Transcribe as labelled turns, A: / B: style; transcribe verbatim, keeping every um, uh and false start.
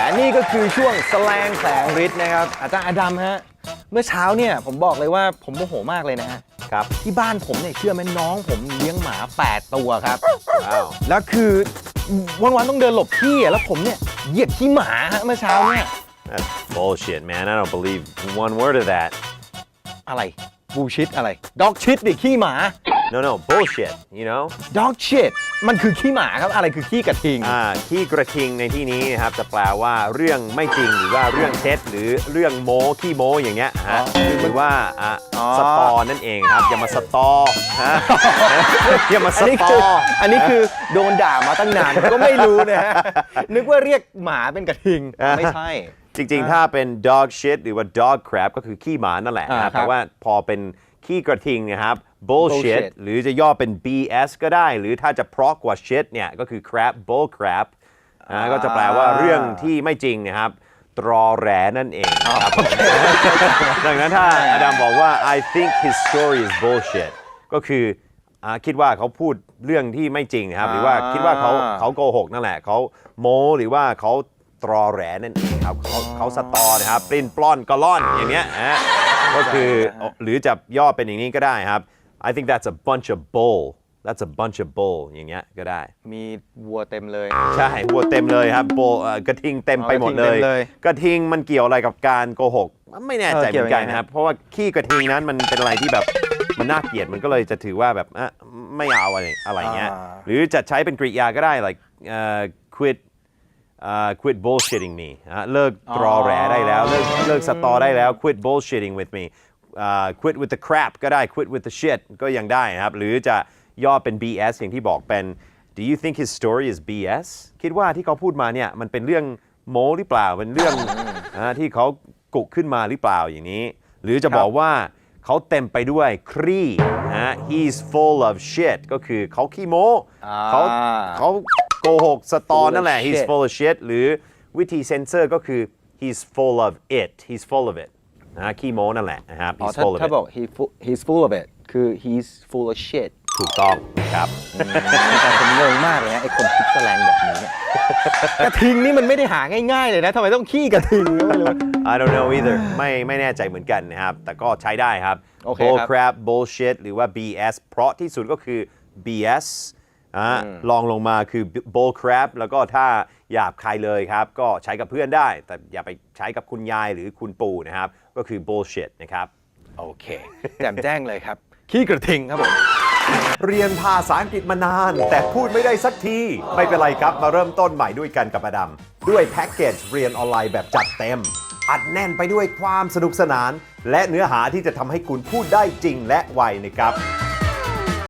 A: นี่ก็คือช่วงแสลงแสงฤทธิ์นะครับอาจารย์อดัมฮะเมื่อเช้าเนี่ยผมบอกเลยว่าผมโมโหมากเลยนะฮะครับที่บ้านผมเนี่ยเชื่อไหมน้องผมเลี้ยงหมาแปดตัวครับว้าวแล้วคือวันๆต้องเดินหลบขี้แล้วผมเนี่ยเหยียบขี้หมาฮะเมื่อเช้าเนี่ย
B: That's bullshit man I don't believe one word of that
A: อะไรบูชิตอะไรด็อกชิตดิขี้หมา
B: no no bullshit you know
A: dog shit มันคือขี้หมาครับอะไรคือขี้กระทิง
B: อ่าขี้กระทิงในที่นี้นะครับจะแปลว่าเรื่องไม่จริงหรือว่าเรื่องเท็จหรือเรื่องโม้ขี้โม้อย่างเงี้ยฮะหรือว่าอ่ะสตอนั่นเองครับอย่ามาสตอฮะอย่ามาสตอ
A: อันนี้คือโดนด่ามาตั้งนานก็ไม่รู้นะฮะนึกว่าเรียกหมาเป็นกระทิงไม่ใช่
B: จริงๆถ้าเป็น dog shit หรือว่า dog crap ก็คือขี้หมานั่นแหละครับแต่ว่าพอเป็นขี้กระทิงนะครับ bullshit หรือจะย่อเป็น บี เอส ก็ได้หรือถ้าจะเพราะกว่า shit เนี่ยก็คือ crap bull crap นะก็จะแปลว่าเรื่องที่ไม่จริงนะครับตรอแหลนั่นเองครับดังนั้นถ้าอดัมบอกว่า I think his story is bullshit ก็คือคิดว่าเขาพูดเรื่องที่ไม่จริงนะครับหรือว่าคิดว่าเขาเขาโกหกนั่นแหละเขาโม้หรือว่าเขาตรอแหลนั่นเองครับเขาเขาสตอนะครับปลิ้นปล้อนกะล่อนอย่างเงี้ยฮะก็คือหรือจะย่อเป็นอย่างนี้ก็ได้ครับ I think that's a bunch of bull that's a bunch of bull อย่างเงี้ยก็ได้
A: มีวัวเต็มเลย
B: ใช่วัวเต็มเลยครับ bull กระทิงเต็มไปหมดเลยกระทิงมันเกี่ยวอะไรกับการโกหกไม่แน่ใจเหมือนกันนะครับเพราะว่าขี้กระทิงนั้นมันเป็นอะไรที่แบบมันน่าเกลียดมันก็เลยจะถือว่าแบบไม่เอาอะไรอะไรเงี้ยหรือจะใช้เป็นกริยาก็ได้ like uh, quit uh, quit bullshitting me เลิกตรอแหลได้แล้วเลิกเลิกสตอได้แล้ว quit bullshitting with me uh, quit with the crap ก็ได้ quit with the shit ก็ยังได้นะครับหรือจะย่อเป็น บี เอส อย่างที่บอกเป็น do you think his story is บี เอส คิดว่าที่เขาพูดมาเนี่ยมันเป็นเรื่องโม้หรือเปล่าเป็นเรื่องที่เขากุขึ้นมาหรือเปล่าอย่างนี้หรือจะบอกว่าเขาเต็มไปด้วยครีนะ he's full of shit ก็คือเขาขี้โม้เขาเขาโกหกสตอนั่นแหละ he's full of shit หรือวิธีเซนเซอร์ก็คือ he's full of it he's full of it นะขี้โม้นั่นแหละนะครับ he's full of it
A: ถ้าบอก he he's full of it คือ he's full of shit
B: ถูกต้องครับ
A: แต่ผมงงมากเลยนะไอ้คนคิดแสลงแบบนี้เนี่ยกระทิงนี่มันไม่ได้หาง่ายๆเลยนะทำไมต้องขี้กระทิงก็ไม่รู้
B: I don't know either ไม่ไม่แน่ใจเหมือนกันนะครับแต่ก็ใช้ได้ครับ bull crap bullshit หรือว่า บี เอส เพราะที่สุดก็คือ บี เอส อ่ะลองลงมาคือ bull crap แล้วก็ถ้าหยาบคายเลยครับก็ใช้กับเพื่อนได้แต่อย่าไปใช้กับคุณยายหรือคุณปู่นะครับก็คือ bullshit นะครับ
A: โอเคแจ่มแจ้งเลยครับขี้กระทิงครับผม
B: เรียนภาษาอังกฤษมานานแต่พูดไม่ได้สักทีไม่เป็นไรครับมาเริ่มต้นใหม่ด้วยกันกับอดัมด้วยแพ็กเกจเรียนออนไลน์แบบจัดเต็มอัดแน่นไปด้วยความสนุกสนานและเนื้อหาที่จะทำให้คุณพูดได้จริงและไวนะครับ